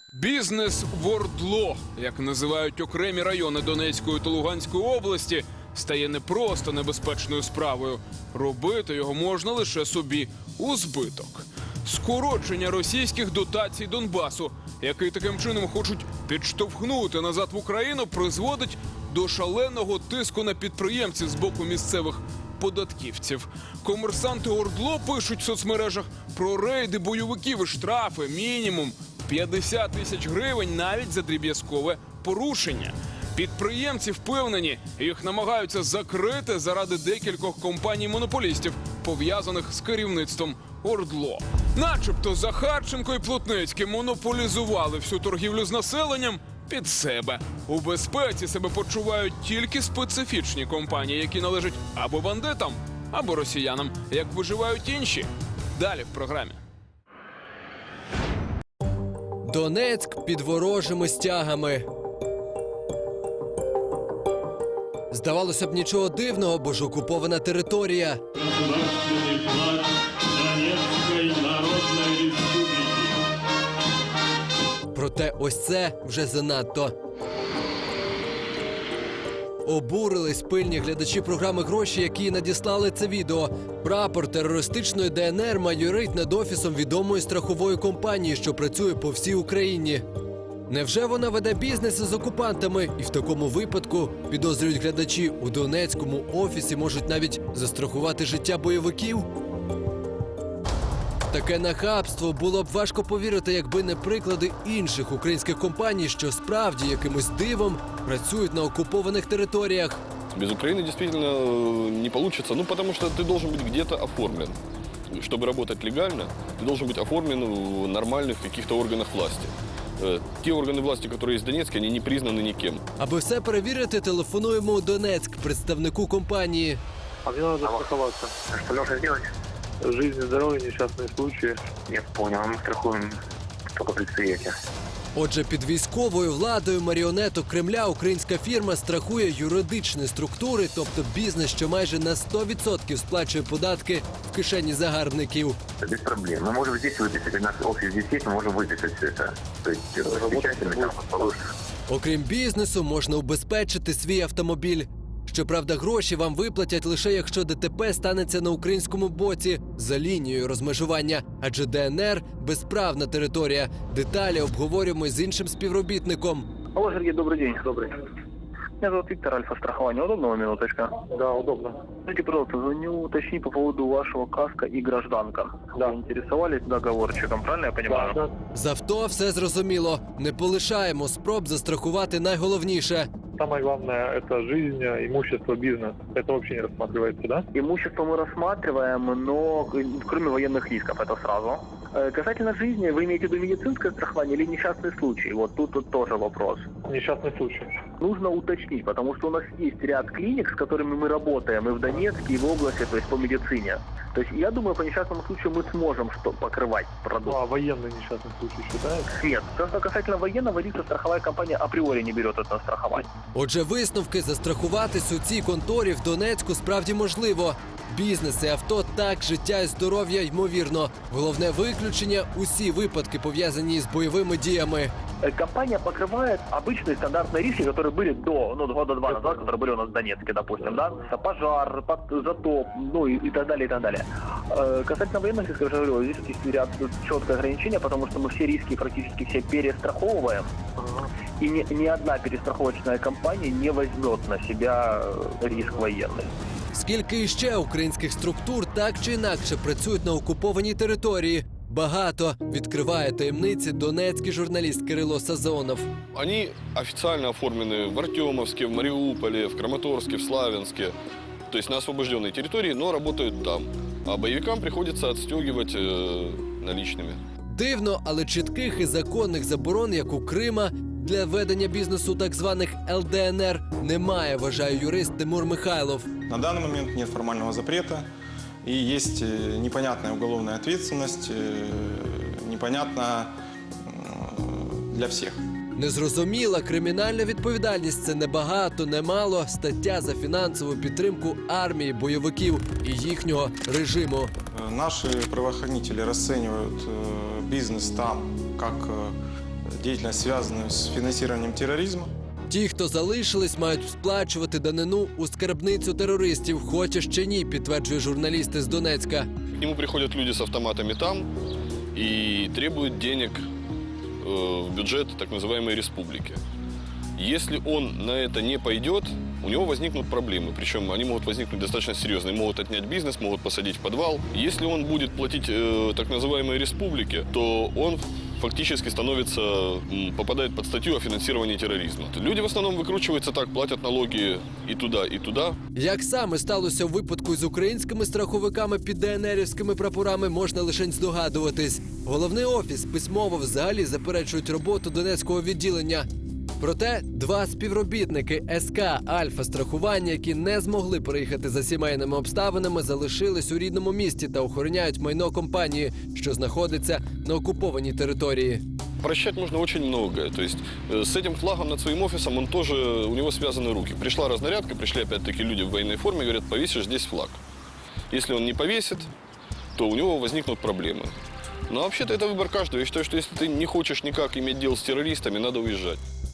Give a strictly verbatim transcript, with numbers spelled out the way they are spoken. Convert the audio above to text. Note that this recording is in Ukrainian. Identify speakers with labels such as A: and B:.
A: Бізнес в ОРДЛО, як називають окремі райони Донецької та Луганської області, стає не просто небезпечною справою. Робити його можна лише собі у збиток. Скорочення російських дотацій Донбасу, який таким чином хочуть підштовхнути назад в Україну, призводить до шаленого тиску на підприємців з боку місцевих податківців. Комерсанти ОРДЛО пишуть в соцмережах про рейди бойовиків і штрафи мінімум п'ятдесят тисяч гривень навіть за дріб'язкове порушення. Підприємці впевнені, їх намагаються закрити заради декількох компаній-монополістів, пов'язаних з керівництвом ОРДЛО. Начебто Захарченко і Плотницький монополізували всю торгівлю з населенням під себе. У безпеці себе почувають тільки специфічні компанії, які належать або бандитам, або росіянам. Як виживають інші? Далі в програмі.
B: Донецьк під ворожими стягами. Здавалося б, нічого дивного, бо ж окупована територія.
C: Государственный флаг Донецкой Народной Республики.
B: Проте ось це вже занадто. Обурились пильні глядачі програми «Гроші», які надіслали це відео. Прапор терористичної ДНР майорить над офісом відомої страхової компанії, що працює по всій Україні. Невже вона веде бізнес із окупантами? І в такому випадку, підозрюють глядачі, у Донецькому офісі можуть навіть застрахувати життя бойовиків? Таке нахабство було б важко повірити, якби не приклади інших українських компаній, що справді якимось дивом працюють на окупованих територіях.
D: Без Украины действительно не получится, ну потому что ты должен быть где-то оформлен. Чтобы работать легально, ты должен быть оформлен в нормальных каких-то органах власти. Э, Те органы власти, которые есть в Донецке, они не признаны никем.
B: Аби все перевірити, телефонуємо у Донецьк, представнику компанії.
E: А мне надо застраховаться.
F: Что нужно сделать?
E: Жизнь, здоровье, несчастные случаи.
F: Я понял, мы страхуем только предприятие.
B: Отже, під військовою владою маріонеток Кремля українська фірма страхує юридичні структури, тобто бізнес, що майже на сто відсотків сплачує податки в кишені загарбників.
F: Без проблем. Мы можем здесь выписать. У нас офис здесь есть, мы можем выписать все это. То есть, э, печатями там положено.
B: Окрім бізнесу, можна убезпечити свій автомобіль. Щоправда, гроші вам виплатять лише якщо ДТП станеться на українському боці за лінією розмежування. Адже ДНР – безправна територія. Деталі обговорюємо з іншим співробітником.
G: Алло, Сергей, добрый день. Добрый. Меня зовут Виктор, Альфа-страхование. Удобно вам минуточка?
E: Да, удобно.
G: Скажите, пожалуйста, звоню уточнить по поводу вашего каска и гражданка.
E: Да.
G: Вы интересовались договорчиком, правильно я понимаю?
E: Да.
B: З авто все зрозуміло. Не полишаємо спроб застрахувати найголовніше.
E: Самое главное – это жизнь, имущество, бизнес. Это вообще не рассматривается, да?
G: Имущество мы рассматриваем, но кроме военных рисков, это сразу. Э, Касательно жизни, вы имеете в виду медицинское страхование или несчастный случай? Вот тут, тут тоже вопрос.
E: Несчастный случай.
G: Нужно уточнить, потому что у нас есть ряд клиник, с которыми мы работаем и в Донецке, и в области, то есть по медицине. То есть я думаю, по несчастному случаю мы сможем что покрывать продукт.
E: Ну, а военный несчастный случай считается?
G: Нет, то, что касательно военного риска, страховая компания априори не берет это на страхование.
B: Отже, висновки застрахуватись у цій конторі в Донецьку справді можливо. Бізнес і авто так, життя і здоров'я ймовірно. Головне виключення – усі випадки, пов'язані з бойовими діями.
G: Э, Компания покрывает обычные стандартные риски, которые были до, ну, года два назад, которые были у нас в Донецке, допустим, да? Это пожар, под- затоп, ну и, и так далее, и так далее. Э, Касательно военных рисков, я уже говорил, здесь есть ряд четкое ограничение, потому что мы все риски практически все перестраховываем. И ни, ни одна перестраховочная компания не возьмет на себя э, риск военный.
B: Скільки іще українських структур так чи інакше працюють на окупованій території? Багато, відкриває таємниці донецький журналіст Кирило Сазонов.
D: Они официально оформлены в Артемовске, в Мариуполе, в Краматорске, в Славянске. То есть на освобожденной территории, но работают там. А боевикам приходится отстегивать э, наличными.
B: Дивно, але чітких і законних заборон, як у Крима, для ведення бізнесу так званих ел де ен ер немає, вважає юрист Тимур Михайлов.
H: На данный момент нет формального запрета, и есть э, непонятная уголовная ответственность, э, непонятна э, для всех.
B: Незрозуміла кримінальна відповідальність – це не багато, не мало стаття за фінансову підтримку армії, бойовиків і їхнього режиму.
H: Э, Наши правоохранители расценивают э, бизнес там как э, деятельность, связанную с финансированием терроризма.
B: Ті, хто залишились, мають сплачувати данину у скарбницю терористів. Хочеш чи ні, підтверджує журналіст із Донецька.
D: К нему приходят люди с автоматами там и требуют денег э, в бюджет так называемой республики. Если он на это не пойдет, у него возникнут проблемы. Причем они могут возникнуть достаточно серьезные. Могут отнять бизнес, могут посадить в подвал. Если он будет платить э, так называемой республике, то он фактически становится, м, попадает под статью о финансировании терроризма. Люди в основном выкручиваются так, платят налоги и туда, и туда.
B: Як саме сталося в випадку з українськими страховиками під ДНРівськими прапорами, можна лише здогадуватись. Головний офіс письмово взагалі заперечують роботу Донецького відділення. Проте два співробітники ес ка «Альфа страхування», які не змогли приїхати за сімейними обставинами, залишились у рідному місті та охороняють майно компанії, що знаходиться на окупованій території.
D: Прощать можно очень многое. То есть э, с этим флагом над своим офисом он тоже, у него связаны руки. Пришла разнарядка, пришли опять-таки люди в военной форме, говорят, повесишь здесь флаг. Если он не повесит, то у него возникнут проблемы. Но вообще-то это выбор каждого. Я считаю, что если ты не хочешь никак иметь дело с террористами, надо уезжать.